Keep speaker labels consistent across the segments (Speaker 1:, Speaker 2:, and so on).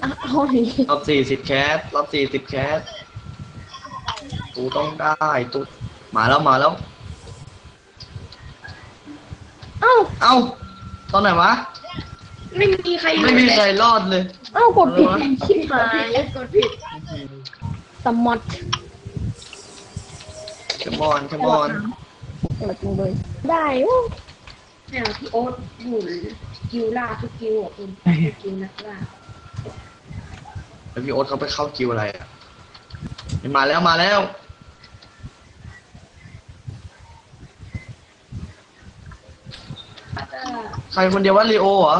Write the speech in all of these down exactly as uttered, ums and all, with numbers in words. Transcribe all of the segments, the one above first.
Speaker 1: เอาหนิ
Speaker 2: รอบสี่สิบแคสรอบสี่สิบแคสตูต้องได้ตูมาแล้วมาแล้ว
Speaker 1: เอ้า
Speaker 2: เอ้าตอนไหนวะ
Speaker 3: ไม่มีใคร
Speaker 2: ไม่มีใครรอดเลย
Speaker 1: เอ้ากดผิดชิบหาย
Speaker 3: กดผิด
Speaker 1: สมอด
Speaker 2: ขมอนขมอน
Speaker 1: เปิดจริงเลยได้
Speaker 3: เนี่ยพี่โอ๊ตอยู่กิวล่าทุกกิวอ่ะคุณกิวนักล่า
Speaker 2: แล้วพี่โอ๊ตเขาไปเข้ากิวอะไรอ่ะมาแล้วมาแล้วใครคนเดียวว่าลีโอเหรอ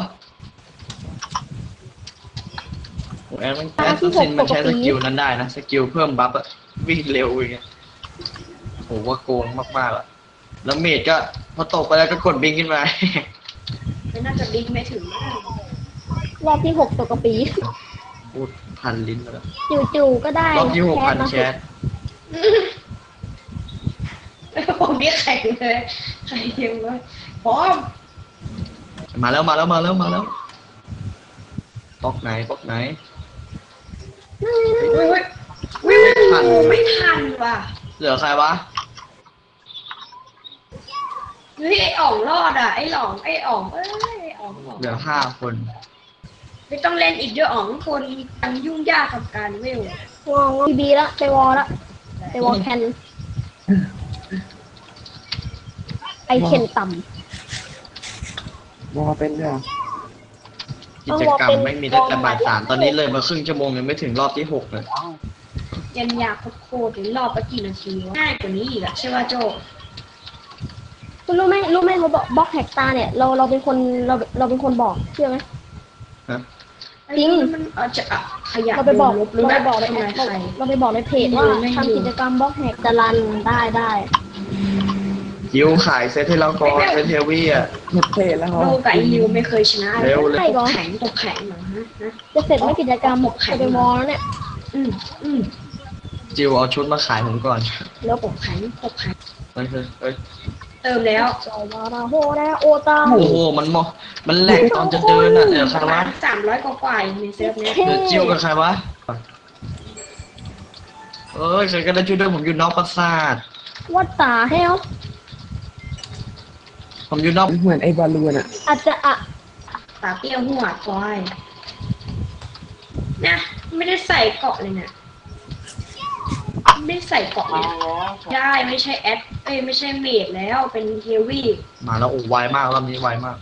Speaker 2: โอ้แอนมันแอนซินมันใช้สกิลนั้นได้นะสกิลเพิ่มบัฟอะวิ่งเร็วอย่างเงี้ยโหว่าโกงมากๆอะแล้วเมจก็พอตกไปแล้วก็กดบิงขึ้นมา
Speaker 3: ไม่น่าจะบิงไม่ถึง
Speaker 1: รอบที่หกตกกระปี
Speaker 2: พูดพันลิ้นแล้ว
Speaker 1: จู่ๆก็ได้
Speaker 2: รอบที่หกพันแชท
Speaker 3: ผมนี่แข่งเลยใครเทียมเลยพร้อม
Speaker 2: มาแล้วมาแล้วมาแล้วมาแล้วปอกไหนปอกไหน
Speaker 3: ไม่ทันไม่ทันว่ะ
Speaker 2: เหลือใครวะ
Speaker 3: เฮ้ยไอ้อ่องรอดอ่ะไอ้หลองไอ้อ่องเอ้ยไอ้อ่อง
Speaker 2: เหลือห้าคน
Speaker 3: ไม่ต้องเล่นอีกเยอะอ่องคนยังยุ่งยากกับการเวล
Speaker 1: วองบีบีละไปวอละไปวอแคนไอเคนต่
Speaker 4: ำวอเป็นด้วย
Speaker 2: กิจกรรมไม่มีตั้งแต่บ่ายสามตอนนี้เลยมาครึ่งชั่วโมงยังไม่ถึงรอบที่หกเลย
Speaker 3: ยันยากโคตรถึงรอบไปกี่นาทีง่ายกว่านี้อีกอะใช่ป่ะโจ
Speaker 1: คุณรู้ไหมรู้ไหมเขาบอกบล็อกแฮกตาเนี่ยเราเราเป็นคนเราเราเป็นคนบอกเชื่อไหมจริง
Speaker 3: มันเอาจะขยัน
Speaker 1: เราไปบอก
Speaker 3: เรา
Speaker 1: ไปบอกในเราไปบอกในเพจว่าทำกิจกรรมบล็อกแฮกจะรันได้ได้
Speaker 2: ยิวขายเซตให้เราก่อนเซตเทวี่อ่ะ
Speaker 4: หมดเพจแล้ว
Speaker 3: เราไก่ยิวไม่เคยชนะ
Speaker 2: เร็วเลย
Speaker 3: ตกแข็งตกแข็งเหรอฮะ
Speaker 1: จะเสร็จไม่กิจกรรมหมกจะไปวอลแล้วเนี่ย
Speaker 3: อืมอืม
Speaker 2: จิวเอาชุดมาขายผมก่อน
Speaker 3: แล้วตกแข็งตกแข็ง
Speaker 2: เฮ้ยเฮ้ย
Speaker 3: เติมแล้ว
Speaker 1: จอวาราโฮแลโอตา
Speaker 2: โอ้โหมันมอมันแหลกตอนจะเดินอ่ะเดี๋ยวใครวะ
Speaker 3: สามร้อยกว่าในเซิร์ฟเนี้ย
Speaker 2: เดี๋ยวจิวกับใครวะเอ้ยใครก็ได้ช่วยด้วยผมอยู่นอกปราสาท
Speaker 1: วัดตาเฮล
Speaker 2: ผมอยู่นอก
Speaker 4: เหมือนไอ้บอลลูนอ่ะ
Speaker 1: อาจจะอะ
Speaker 3: ตาเปี้ยวหัวควายนะไม่ได้ใส่เกาะเลยเนี่ยไม่ใส่เกาะเลยได้ไม่ใช่แอดเอ้ยไม่ใช่เมดแล้วเป็นเฮฟวี่
Speaker 2: มาแล้วโอ้ไวมากรอบนี้ไวมาก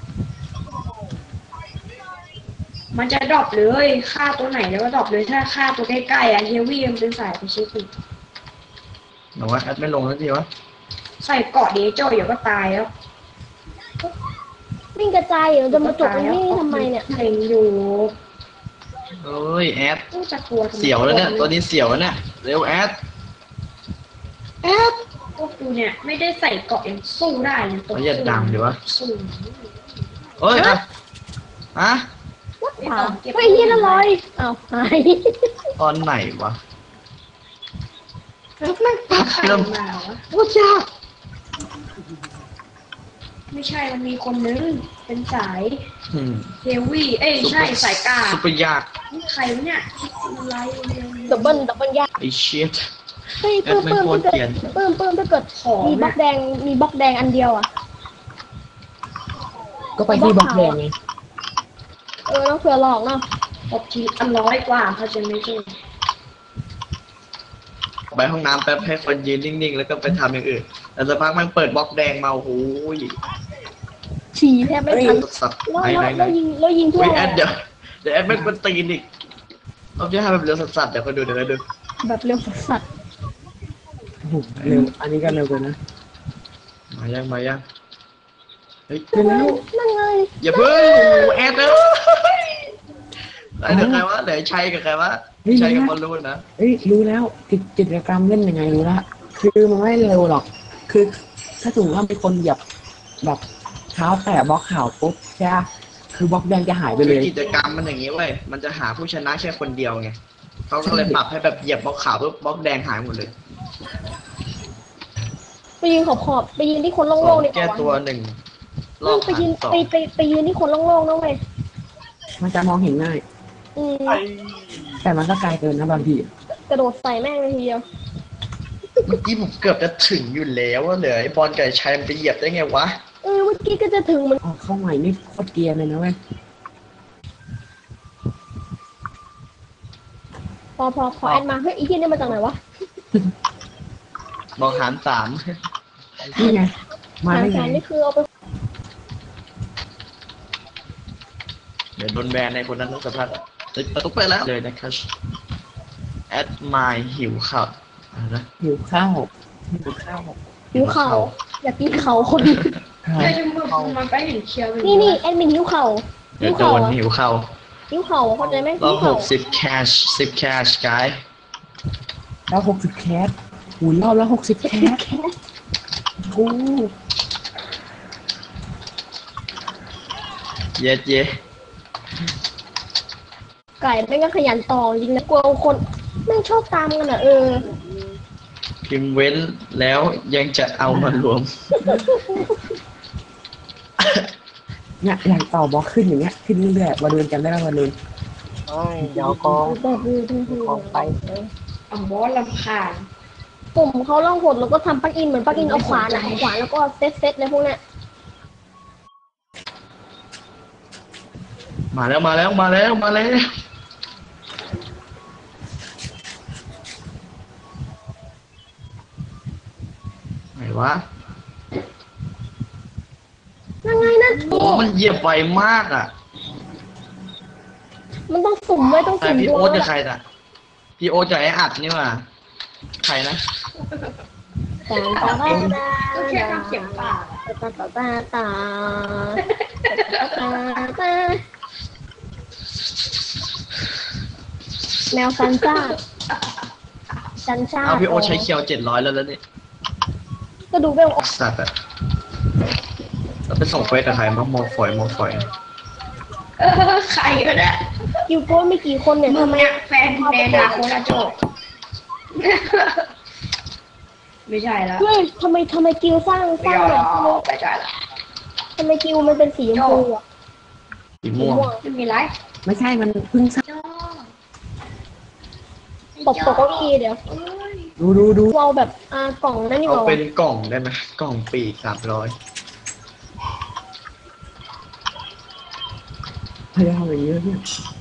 Speaker 3: มันจะดรอปเลยฆ่าตัวไหนแล้วก็ดรอปเลยถ้าฆ่าตัวใกล้ๆอ่ะเฮฟวี่มันเป็นสายไปเช็คอีก
Speaker 2: หนูว่าแอดไม่ลงแล้วทีวะ
Speaker 3: ใส่เกาะเดโจเดี๋ยวก็ตายแล้ว
Speaker 1: วิ่งกระจายอยู่จะมาจบตรงนี้ทำไมเนี่ย
Speaker 3: เล็งอยู่
Speaker 2: เอ้ยแอด
Speaker 3: จะกลัว
Speaker 2: เสียวแล้วเนี่ยตัวนี้เสียวแล้วเนี่ยเร็วแอด
Speaker 3: แอดพวกกูเนี่ยไม่ได้ใส่เกาะยังสู้ได้เลยตัว
Speaker 2: อย่าดังดีวะ
Speaker 3: สู้
Speaker 2: เฮ้ยอะฮะ
Speaker 1: วัดป่าไปยี่ละร้อยอ้าวหาย
Speaker 2: ตอนไหนวะ
Speaker 3: แล้วมันปักเริ่มมาวะ
Speaker 2: โอ้จ้า
Speaker 3: ไม่ใช่มันมีคนนึงเป็นสายเฮฟวี่เอ้ยใช่สายกา
Speaker 2: ซุปเปอร์ยาก
Speaker 3: นี่ใครวะเนี่ยอะไร
Speaker 1: ดับเบิ้ลดับเบิ้ลยาก
Speaker 2: ไอ้เชี่ย
Speaker 1: เฮ้ยปื้มปื้มถ้าเกิดปื้มปื้มถ้าเกิดมีบล็อกแดงมีบล็อกแดงอันเดียวอ่ะ
Speaker 4: ก็ไปที่บล็อกแดงไง
Speaker 1: เออต้องเผื่อหลอกเนาะ
Speaker 3: ตบทีอันร้อยกว่าเขาจะไม่ใช่
Speaker 2: ไปห้องน้ำแป๊บให้คนยืนนิ่งๆแล้วก็ไปทำอย่างอื่นแต่สักพักมันเปิดบล็อกแดงมาโอ้โห
Speaker 1: ฉี่แทบไม่ทัน
Speaker 2: สัตว์
Speaker 1: ไหนไหนแล้วยิงแล้วยิงทั่ว
Speaker 2: แอดเดี๋ยวเดี๋ยวแอดไม่เป็นตีนอีกเอาจะให้แบบเร็วสัตว์เดี๋ยวคนดูเดี๋ยวดู
Speaker 1: แบบเร็วสัตว์
Speaker 4: เร็วอันนี้ก็เร็วกว่านะ
Speaker 2: มายังมายัง
Speaker 1: เฮ้ยแล้วนั่นไง
Speaker 2: อย่าเพิ่งแอดเลยเดี๋ยวใครวะเดี๋ยวชัยกับใครวะชัยกับบอลลูนนะ
Speaker 4: เฮ้ยรู้แล้วกิจกรรมเล่นยังไงรู้ละคือมันไม่เร็วหรอกคือถ้าสมมติว่ามีคนเหยียบแบบเท้าแตะบล็อกข่าวปุ๊บใช่ไหมคือบล็อกแดงจะหายไปเลย
Speaker 2: กิจกรรมมันอย่างนี้เว้ยมันจะหาผู้ชนะแค่คนเดียวไงเขาก็เลยปรับให้แบบเหยียบบล็อกขาวปุ๊บบล็อกแดงหายหมดเลย
Speaker 1: ไปยืนขอบขอบไปยืนที่คนโล่งๆนี่
Speaker 2: แก้ตัวหนึ่ง
Speaker 1: รอบไปยืนไปไปไปยืนที่คนโล่งๆนะเว้ย
Speaker 4: มันจะมองเห็นง่าย
Speaker 1: อืม
Speaker 4: แต่มันก็ไกลเกินนะบางที
Speaker 1: กระโดดใส่แม่งเลยทีเดียว
Speaker 2: เมื่อกี้ผมเกือบจะถึงอยู่แล้วว่าเหลือไอ้บอลไก่ชัยมันไปเหยียบได้ไงวะ
Speaker 1: เออเมื่อกี้ก็จะถึงมัน
Speaker 4: ออกเข้าใหม่นี่โคตรเกรียร์เลยนะเว้ย
Speaker 1: พอพอพอแอดมาเฮ้ยไอ้ที่นี่มาจากไหนวะ
Speaker 2: บอกหารสาม
Speaker 4: นี่ไงมา
Speaker 1: หา
Speaker 4: ได้
Speaker 1: แส
Speaker 4: ไง
Speaker 1: นนี่คือเอาไป
Speaker 2: เดี๋ยวโดนแบนในคนนั้นต้องสภาพติดประตูไปแล้วเลยนะครับแอดมายหิวข่าวอะไรนะ
Speaker 4: หิวข้าวหิวข้าว
Speaker 1: หิวเข่าอยากกินเข่าคน
Speaker 3: ใช่จมูกมันไปเห็นเคียวไป
Speaker 1: นี่นี่แอดมินหิวเข่า
Speaker 2: เดี๋
Speaker 1: หิ
Speaker 2: ยว
Speaker 1: ว
Speaker 2: โด
Speaker 1: เข่าน อะ
Speaker 2: หิวเข่า
Speaker 1: หิวเข่าเข้าใจไหม
Speaker 2: ร
Speaker 1: หิ
Speaker 2: อ
Speaker 1: ว
Speaker 2: บห
Speaker 1: เข่าก
Speaker 2: สิบแคชสิบแคชกาย
Speaker 4: แล้วหกสิบแคสหูรอบแล้วหกสิบแคสโอ้
Speaker 2: เย็ดเย็ด
Speaker 1: ไก่แม่งก็ขยันต่อจริงนะกลัวคนแม่งชอบตามกันอ่ะเออ
Speaker 2: พิมพ์เว้นแล้วยังจะเอามารวม
Speaker 4: เนี่ยอย่างต่อบล็อกขึ้นอย่างเงี้ยขึ้นเรื่อยๆวันเดินกันได้แล้ววันเดิน
Speaker 5: เฮ้ยเดี๋ยวกอง
Speaker 1: แบบดูดูดู
Speaker 5: กองไป
Speaker 3: อ่ะบอสลำคาญ
Speaker 1: ปุ่มเขาล่องหดแล้วก็ทำปลั๊กอินเหมือนปลั๊กอินเอาขวานอะเอาขวานแล้วก็เซตเซตเลยพวกเนี้ย
Speaker 2: มาแล้วมาแล้วมาแล้วมาแล้วไหนวะ
Speaker 1: ยังไงนะ
Speaker 2: โอ้มันเหยียบไวมากอ่ะ
Speaker 1: มันต้องสุ่มไว้ต้อง
Speaker 2: แต่
Speaker 1: สุ่ม
Speaker 2: พี่
Speaker 1: ดว
Speaker 2: โอ๊
Speaker 1: ง
Speaker 2: ต
Speaker 1: แล้
Speaker 2: จะ
Speaker 1: ว
Speaker 2: ใครน่ะพี่โอ๊ตจะไอ้อัดนี่ว่าใครนะ
Speaker 1: ตาตาตา
Speaker 3: ก็แค่ทำเสียงปาก
Speaker 1: ตาตาตาตาตาตาแมวซันซ่าซันซ่า
Speaker 2: เอาพี่โอ๊ตใช้เคียวเจ็ดร้อยแล้วแล้วนี่
Speaker 1: ก็ดูเวล
Speaker 2: สัตว์อ่ะเราไปส่งเฟซกับใครมามอฝอยมอฝอย
Speaker 3: เออใครก็ได้
Speaker 1: คิวโก้ไม่กี่คนเนี่ย
Speaker 3: มึง
Speaker 1: ทำไม
Speaker 3: เนี่ยแฟนแนนาโคนาโจไม่ใช่แล้ว
Speaker 1: เฮ้ยทำไมทำไมกิวสร้างส
Speaker 3: ไม่
Speaker 1: ร้าง
Speaker 3: เอา
Speaker 1: แบบ
Speaker 3: ไม่ใช่ละ
Speaker 1: ทำไมกิวมันเป็นสีชมพูอะ
Speaker 2: สีม่วง
Speaker 3: ไม่มีไร
Speaker 4: ไม่ใช่มันเพิ่งสร้าง
Speaker 1: ตบตกเก้าอี้เดี๋ยว
Speaker 4: ดูดูดู
Speaker 1: เราแบบอ่ากล่องนั่นนี่
Speaker 2: เอา
Speaker 1: เรา
Speaker 2: เป็นกล่องได้ไหมกล่องปีกสามร้อย
Speaker 4: พยายามอย่างเยอะเนี่ย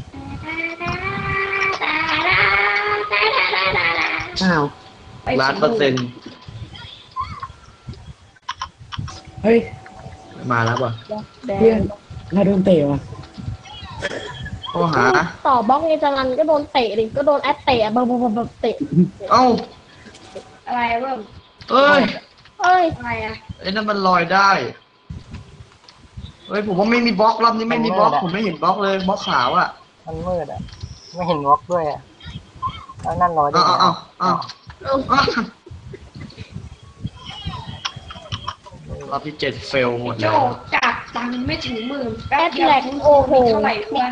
Speaker 4: อ้าว
Speaker 2: ล้านเปอร์เซ็นต์
Speaker 4: เฮ้ย
Speaker 2: มาแล้วป่ะ
Speaker 1: แด
Speaker 4: เพื่อง นเราโดนเตะว่ะ
Speaker 2: ข้อหา
Speaker 1: ต่อบล็อกไงจารันก็โดนเตะดิก็โดนแอดเตะแบบแบบแบบเตะ
Speaker 2: เอ้า
Speaker 3: อะไรเบิ่ม
Speaker 2: เอ้ย
Speaker 1: เอ้ย
Speaker 3: อะไรอ่ะ
Speaker 2: ไอ้นั่นมันลอยได้เฮ้ยผมว่าไม่มีบล็อกรอบนี้ไม่มีบล็อกผมไม่เห็นบล็อกเลยบล็อกขาวอ่ะ
Speaker 5: มันมืดอ่ะ ไม่เห็นวอล์กด้วยอ่ะแล้วนั่นลอยได้
Speaker 2: อ้าว
Speaker 5: ไง
Speaker 2: อ้าวอ้าว
Speaker 1: เอา
Speaker 2: อ้าวรอบที่เจ็ดเฟลหมด
Speaker 3: โจ
Speaker 2: แล้ว
Speaker 3: จากตังค์ไม่ถึงหมื่น
Speaker 1: แอดแหลกโอ้โห
Speaker 3: เท่าไหร่วะ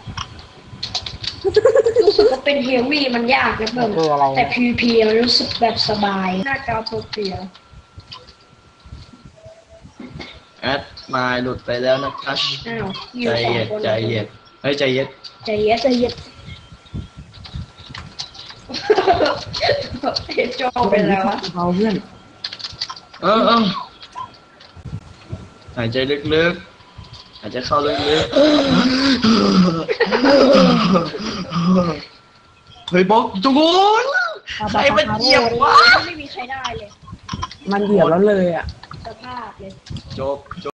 Speaker 3: รู้สึกว่าเป็นเฮลวี่มันยากนะ
Speaker 5: มั
Speaker 3: เบิ่
Speaker 5: น
Speaker 3: ม
Speaker 5: คืออะไร
Speaker 3: แต่ พี วี พี มันรู้สึกแบบสบายหน้าจอโปรเปีย
Speaker 2: แอดมาหลุดไปแล้วนะครับ
Speaker 3: อ้าวอ
Speaker 2: ใจ
Speaker 3: ยู่สอง
Speaker 2: เย็น
Speaker 3: คน
Speaker 2: ใจเย็นเฮ้ยใจเย็น
Speaker 3: ใจเย็น
Speaker 1: ใจเย็น
Speaker 3: เห็นโจเป็นแล้ววะ
Speaker 4: เราเพื่อน
Speaker 2: เออเออหายใจลึกๆหายใจเข้าลึกๆเฮ้ยบล็อกจุกุนใครมันเหยียบวะ
Speaker 3: ไม่มีใครได้เลย
Speaker 4: มันเหยียบแล้วเลยอ่ะ
Speaker 3: สภาพเลย
Speaker 2: จบจบ